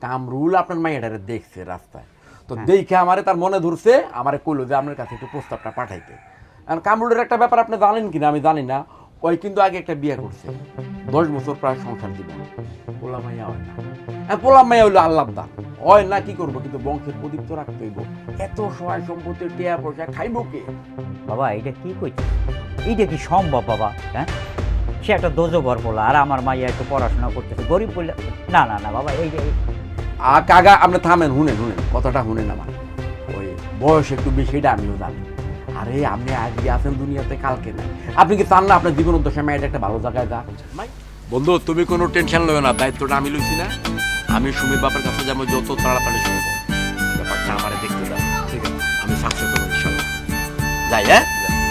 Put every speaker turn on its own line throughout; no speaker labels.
কামরুল আপনার মাইয়াটারে দেখছে রাস্তায়, তো দেখে আমারে তার মনে ধরছে, আমারে কইলো যে আপনার কাছে একটু প্রস্তাবটা পাঠাইতে। কারণ কামরুলের একটা ব্যাপার আপনি জানেন কিনা আমি জানি না, ওই কিন্তু আগে একটা বিয়ে করছে, 10 বছর প্রায় সংসার দিবে, পোলা মাইয়া হয় না। পোলা মাইয়া হইলো আল্লাহ দা হয় না, কি করবো, কিন্তু বংশের প্রদীপ তো রাখতে হইব। এত সহায় সম্পত্তি টিয়া পয়সা খাইব কে?
বাবা এটা কি কইছে? এইটা কি সম্ভব বাবা? হ্যাঁ, সে একটা দোজবর বলা, আর আমার মাইয়া একটু পড়াশোনা করতেছে, গরিব বললে না না না বাবা, এই যে
কাকা আপনি থামেন, শুনেন কথাটা শুনেন আমার। ওই বয়স একটু বেশি, এটা আমিও জানি। আরে আপনি আজকে আছেন দুনিয়াতে, কালকে নাই। আপনি কি চান না আপনার জীবন উদ্দেশ্যে মেয়েটা একটা ভালো জায়গায় যা? বন্ধু তুমি কোনো টেনশন লও না, দায়িত্বটা আমি লইছি না। আমি সুমির বাপের কাছে যাবো যত তাড়াতাড়ি সম্ভব। ব্যাপারটা আমারে দেখতে দাও, ঠিক আছে? আমি সাকসেস হবো ইনশাল্লাহ। যাই, হ্যাঁ।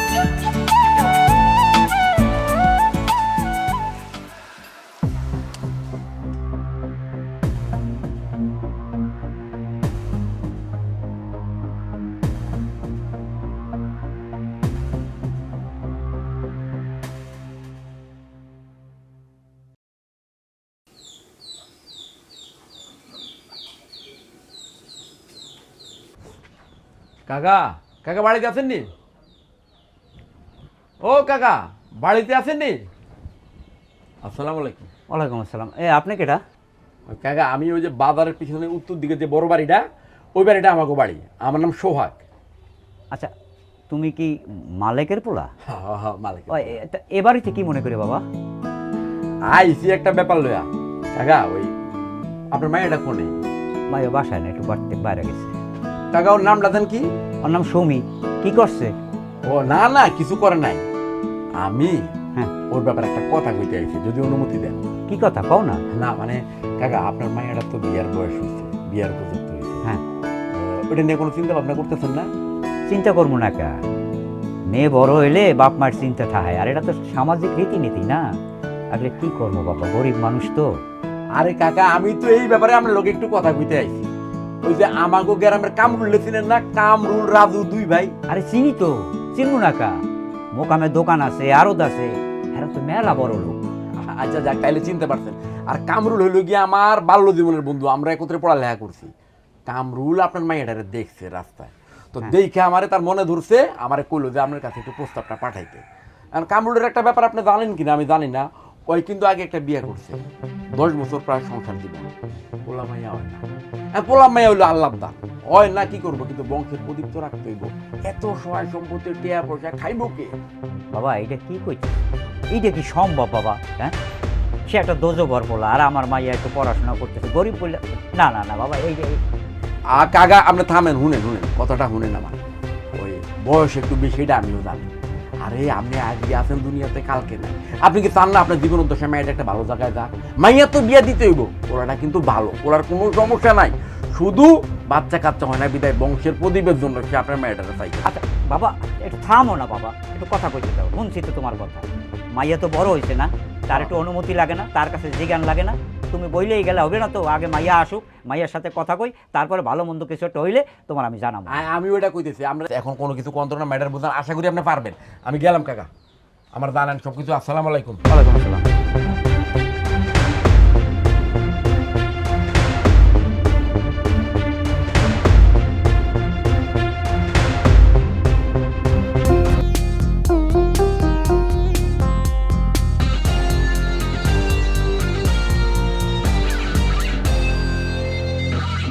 কাকা, কাকা বাড়িতে আছেননি? ও কাকা, বাড়িতে আছেননি? আসসালামু আলাইকুম।
ওয়ালাইকুম আসসালাম। আপনি কেটা?
কাকা আমি ওই যে বাজারের পিছনে উত্তর দিকে যে বড় বাড়িটা, ওই বাড়িটা আমাকে বাড়ি। আমার নাম সোহাগ।
আচ্ছা, তুমি কি মালিকের পোলা?
হ্যাঁ মালিক।
এ বাড়িতে কি মনে করে বাবা?
আইসি একটা ব্যাপার লয়া কাকা। ওই আপনার মায়েরটা কোনে?
মাইয়া বাসায় না, একটু বাইরে গেছে।
কাকা ওর নামটা দেন কি?
ওর নাম সৌমি। কি করছে?
ও না না, কিছু করে নাই। আমি
হ্যাঁ,
ওর ব্যাপারে একটা কথা কইতে আইছি, যদি অনুমতি দেন।
কি কথা কও না?
না মানে কাকা আপনার মায়েরটা তো বিয়ার বয়স হয়েছে, বিয়ার উপযুক্ত হয়েছে।
হ্যাঁ,
ওটা নিয়ে কোনো চিন্তা ভাবনা করতেছেন না?
চিন্তা করবো না কা, মেয়ে বড় হইলে বাপ মার চিন্তা থাহায়, আর এটা তো সামাজিক রীতিনীতি না। আসলে কি করবো বাবা, গরিব মানুষ তো।
আরে কাকা আমি তো এই ব্যাপারে আপনার লোক একটু কথা কইতে আইছি। ওই যে আমাগো গ্রামের কামরুল ছিলেন না, কামরুল রাজু দুই ভাই।
আরে চিনি তো, চিনবো না কা? মোকামের দোকান আছে, আড়ত আছে, এরা তো মেলা বড় লোক।
আচ্ছা যাক, তাইলে চিনতে পারছেন। আর কামরুল হইল গিয়ে আমার বাল্য জীবনের বন্ধু, আমরা একত্রে পড়ালেখা করছি। কামরুল আপনার মাইয়াটারে দেখছে রাস্তায়, তো দেখে আমারে তার মনে ধরছে, আমারে কইলো যে আপনার কাছে একটু প্রস্তাবটা পাঠাইতে। কারণ কামরুলের একটা ব্যাপার আপনি জানেন কিনা আমি জানি না, ওই কিন্তু আগে একটা বিয়ে করছে, 10 বছর প্রায় সংসার দিবে, পোলা মাইয়া হয় না। পোলা মাইয়া হইলো আল্লাহ দা হয় না, কি করবো, কিন্তু বংশের প্রদীপ তো রাখতে হইব। এত সহায় সম্পত্তি টিয়া পয়সা খাইব কে?
বাবা এটা কি কইছে? এইটা কি সম্ভব বাবা? হ্যাঁ, সে একটা দোজবর বলা, আর আমার মাইয়া একটু পড়াশোনা করতেছে, গরিব বললে না না না বাবা, এই যে
কাকা আপনি থামেন, শুনেন কথাটা শুনেন আমার। ওই বয়স একটু বেশি, এটা আমিও জানি। আরে আপনি আজকে আছেন দুনিয়াতে, কালকে নাই। আপনি কি চান না আপনার জীবন উদ্দেশ্যে মেয়েটা একটা ভালো জায়গায় যা? মাইয়া তো বিয়ে দিতে হইব, ওরাটা কিন্তু ভালো, ওরার কোনো সমস্যা নাই। শুধু বাচ্চা কাচ্চা হয় না বিদায় বংশের প্রদীপের জন্য সে আপনার মেয়েটাকে চাই।
আচ্ছা বাবা, একটু থামো না বাবা, একটু কথা কইতে দাও, শুনছি তো তোমার কথা। মাইয়া তো বড় হয়েছে না, তার একটু অনুমতি লাগে না, তার কাছে জিজ্ঞান লাগে না? তুমি বইলেই গেলে হবে না তো, আগে মাইয়া আসুক, মাইয়ার সাথে কথা কই, তারপরে ভালো মন্দ কিছু একটা হইলে তোমার আমি জানাবো।
আমি ওইটা কইতেছি, আমরা এখন কোনো কিছু কন্ট্রোল ম্যাটার বুঝান, আশা করি আপনি পারবেন। আমি গেলাম কাকা, আমার জানেন সব কিছু। আসসালামু আলাইকুম।
ওয়ালাইকুম আসসালাম।